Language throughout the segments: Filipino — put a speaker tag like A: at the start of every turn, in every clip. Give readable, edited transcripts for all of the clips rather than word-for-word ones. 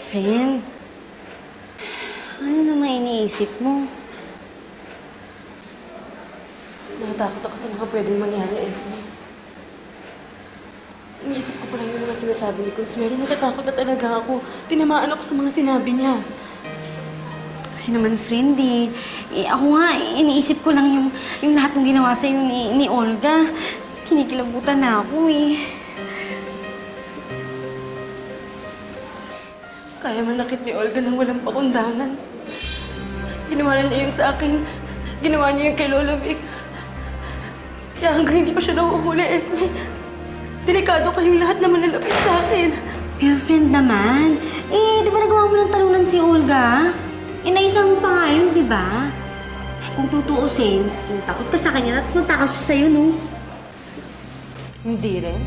A: Friend, ano naman iniisip mo?
B: Natakot ako sa mga pwedeng mangyari, Esme. Iniisip ko pa lang yung mga sinasabi ni Consuelo. Natatakot na talaga ako. Tinamaan ako sa mga sinabi niya.
A: Kasi naman, friend, ako nga, iniisip ko lang yung lahat ng ginawa sa'yo ni Olga. Kinikilabutan na ako,
B: Kaya manakit ni Olga nang walang pakundangan. Ginawa na niya yung sa akin. Ginawa niya yung kay Lola Vic. Kaya hanggang hindi pa siya nahuhuli, Esme. Delikado kayong lahat na malalapit sa akin.
A: Pero friend naman, di ba nagawa mo ng talunan si Olga? Naisang mo pa nga yun, di ba? Kung tutuusin, takot ka sa kanya, tapos magtakas siya sa'yo, no?
B: Hindi rin.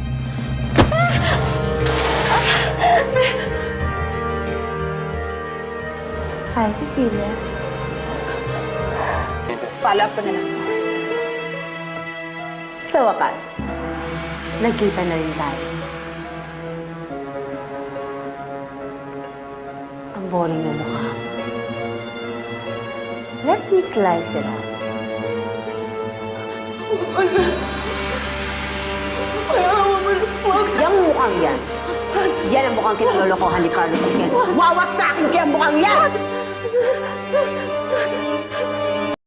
B: Esme!
C: Hi, Cecilia. Follow up ko na lang. Sa wakas, nagkita na rin tayo. Ang boring na mukha. Let me slice it up.
B: Olga! Ayaw mo na. Huwag!
C: Yang mukhang yan. Yan ang mukhang kinalolokohan ni Carlo Piquet. Wawasakin ko yung mukhang yan!